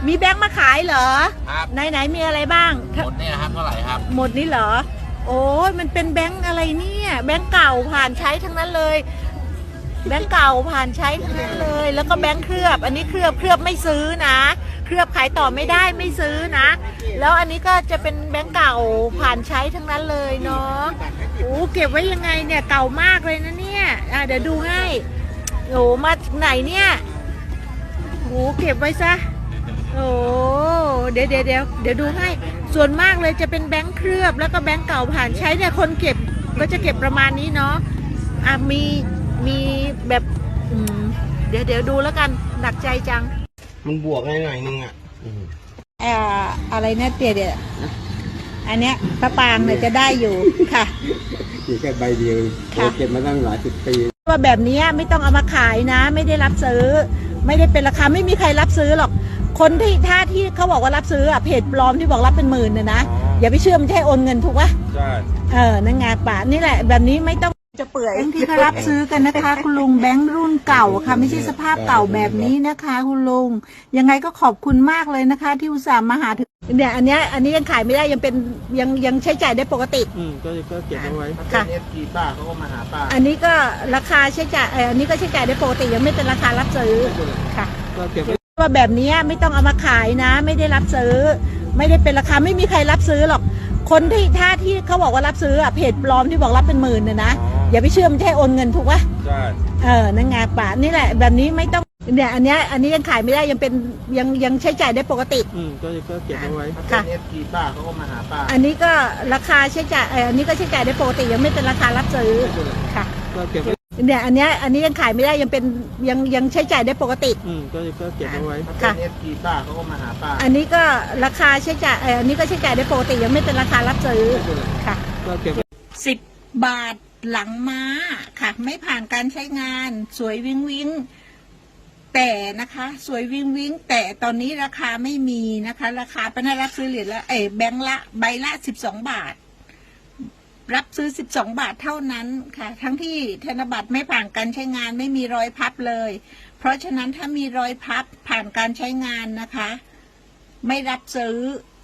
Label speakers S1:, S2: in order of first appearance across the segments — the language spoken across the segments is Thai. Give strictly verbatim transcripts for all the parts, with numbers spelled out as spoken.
S1: มีแบงค์มาขายเหรอ
S2: ครับ
S1: ไหนไหนมีอะไรบ้าง
S2: หมดเนี่ยครับเท่าไหร่ครับ
S1: หมดนี้เหรอโอ้ยมันเป็นแบงค์อะไรเนี่ยแบงค์เก่าผ่านใช้ทั้งนั้นเลยแบงค์เก่าผ่านใช้ทั้งนั้นเลยแล้วก็แบงค์เคลือบอันนี้เคลือบเคลือบไม่ซื้อนะเคลือบขายต่อไม่ได้ไม่ซื้อนะแล้วอันนี้ก็จะเป็นแบงค์เก่าผ่านใช้ทั้งนั้นเลยเนาะโอ้เก็บไว้ยังไงเนี่ยเก่ามากเลยนะเนี่ยอ่ะเดี๋ยวดูให้โอ้มาไหนเนี่ยโอ้เก็บไว้ซะโอ้เดี๋ยวเดี๋ยวเดี๋ยวเดี๋ยวดูให้ส่วนมากเลยจะเป็นแบงค์เคลือบแล้วก็แบงค์เก่าผ่านใช้เนี่ยคนเก็บก็จะเก็บประมาณนี้เนาะอ่ะมีมีแบบอืมเดี๋ยวเดี๋ยวดูแล้วกันหนักใจจัง
S3: มันบวกหน่อยนึงอ่ะ
S1: อ่าอะไรเนี่ยเตี๋ยเดี๋ยวอันเนี้ยพระปางเนี่ยจะได้อยู่ค่ะ
S3: อยู่แค่ใบเดียวเก็บมาตั้งหลายสิบปี
S1: ว่าแบบนี้ไม่ต้องเอามาขายนะไม่ได้รับซื้อไม่ได้เป็นราคาไม่มีใครรับซื้อหรอกคนที่ท่าที่เขาบอกว่ารับซื้ออ่ะเพจปลอมที่บอกรับเป็นหมื่นเนี่ยนะอย่าไปเชื่อมันใช่โอนเงินถูกปะ
S3: ใช่
S1: เออนั่นไงป่านี่แหละแบบนี้ไม่ต้องจะเปื่อยที่เขารับซื้อกันนะคะคุณลุงแบงค์รุ่นเก่าค่ะไม่ใช่สภาพเก่าแบบนี้นะคะคุณลุงยังไงก็ขอบคุณมากเลยนะคะ ที่อุตส่าห์มาหาถึงเนี่ยอันนี้อันนี้ยังขายไม่ได้ยังเป็นยังยังใช้จ่ายได้ปกติ
S3: อืมก็ก็เก็บเอาไว้
S1: ค่ะ
S3: เอฟจีป้าเขาก็มาหาป้า
S1: อันนี้ก็ราคาใช้จ่ายเอออันนี้ก็ใช้จ่ายได้ปกติยังไม่เป็นราคารับซื้อค่ะ
S3: ก็เก็บ
S1: ว่าแบบนี้ไม่ต้องเอามาขายนะไม่ได้รับซื้อไม่ได้เป็นราคาไม่มีใครรับซื้อหรอกคนที่ท่าที่เขาบอกว่ารับซื้ออ่ะเพจปลอมที่บอกรับเป็นหมื่นเนี่ยนะอย่าไปเชื่อมันใช่โอนเงินถูกปะ
S3: ใช่
S1: เออนั่นไงป่านี่แหละแบบนี้ไม่ต้องเนี่ยอันนี้อันนี้ยังขายไม่ได้ยังเป็นยังยังใช้จ่ายได้ปกติ
S3: อืมก็ก็เก็บเอาไว้
S1: ค่ะ
S3: เอฟจีป้าเขาก็มาหาป้า
S1: อันนี้ก็ราคาใช้จ่ายเอออันนี้ก็ใช้จ่ายได้ปกติยังไม่เป็นราคารับซื้อค่ะ
S3: ก็เก็บ
S1: เนี่ยอันนี้อันนี้ยังขายไม่ได้ยังเป็นยังยังใช้จ่ายได้ปกติ
S3: อืมก็ก็เก็บเอาไว้
S1: ค่ะ
S3: เอฟจีป้าเขาก็มาหาป้า
S1: อันนี้ก็ราคาใช้จ่ายเอออันนี้ก็ใช้จ่ายได้ปกติยังไม่เป็นราคารับซื้อค่ะ
S3: ก็เก็บ
S1: สิบบาทหลังม้าค่ะไม่ผ่านการใช้งานสวยวิ้งวิ้งแต่นะคะสวยวิ้งวิ้งแต่ตอนนี้ราคาไม่มีนะคะราคาเป็นรับซื้อเหรียญละเออแบงค์ละใบละสิบสองบาทรับซื้อสิบสองบาทเท่านั้นค่ะทั้งที่ธนบัตรไม่ผ่านการใช้งานไม่มีรอยพับเลยเพราะฉะนั้นถ้ามีรอยพับผ่านการใช้งานนะคะไม่รับซื้อ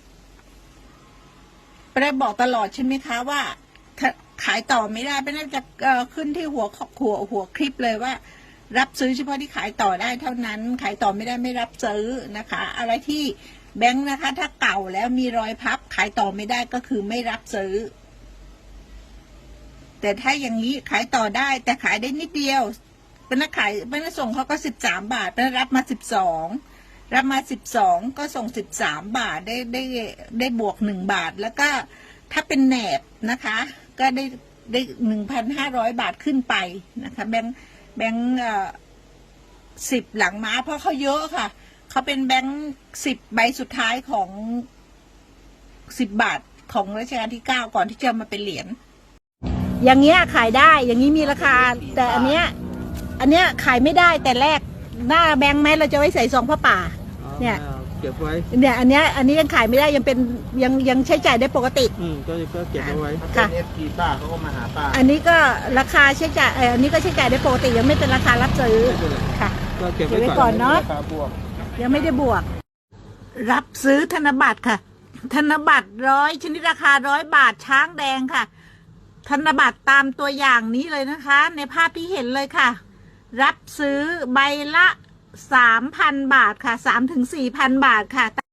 S1: ไปบอกตลอดใช่ไหมคะว่าขายต่อไม่ได้ไม่น่าจะขึ้นที่หัวหัวหัวคลิปเลยว่ารับซื้อเฉพาะที่ขายต่อได้เท่านั้นขายต่อไม่ได้ไม่รับซื้อนะคะอะไรที่แบงค์นะคะถ้าเก่าแล้วมีรอยพับขายต่อไม่ได้ก็คือไม่รับซื้อแต่ถ้าอย่างนี้ขายต่อได้แต่ขายได้นิดเดียวเป็นนักขายเป็นนักส่งเขาก็สิบสามบาทเป็นรับมาสิบสองรับมาสิบสองก็ส่งสิบสามบาทได้ได้ได้บวกหนึ่งบาทแล้วก็ถ้าเป็นแหนบนะคะก็ได้ได้หนึ่งพันห้าร้อยบาทขึ้นไปนะคะแบงค์แบงค์สิบหลังม้าเพราะเขาเยอะค่ะเขาเป็นแบงค์สิบใบสุดท้ายของสิบบาทของรัชกาลที่เก้าก่อนที่จะมาเป็นเหรียญอย่างเงี้ยขายได้อย่างนี้มีราคาแต่อันเนี้ยอันเนี้ยขายไม่ได้แต่แรกหน้าแบงค์แม้เราจะไว้ใส่ซองผ้าป่าเนี่ย
S3: เก็บไว้
S1: เนี่ยอันเนี้ยอันนี้ยังขายไม่ได้ยังเป็นยังยังใช้จ่ายได้ปกติ
S3: อืมก็ก็เก็บเอาไว้
S1: ค่ะ
S3: เอฟจีป้าเขาก็มาหาป้า
S1: อันนี้ก็ราคาใช้จ่ายเอออันนี้ก็ใช้จ่ายได้ปกติยังไม่เป็นราคารับซื้อค่ะ
S3: ก็เก็บ
S1: ไว้ก่อนเนาะยังไม่ได้บวกรับซื้อธนบัตรค่ะธนบัตรร้อยชนิดราคาร้อยบาทช้างแดงค่ะธนบัตรตามตัวอย่างนี้เลยนะคะในภาพที่เห็นเลยค่ะรับซื้อใบละสามพันบาทค่ะสามถึงสี่พันบาทค่ะ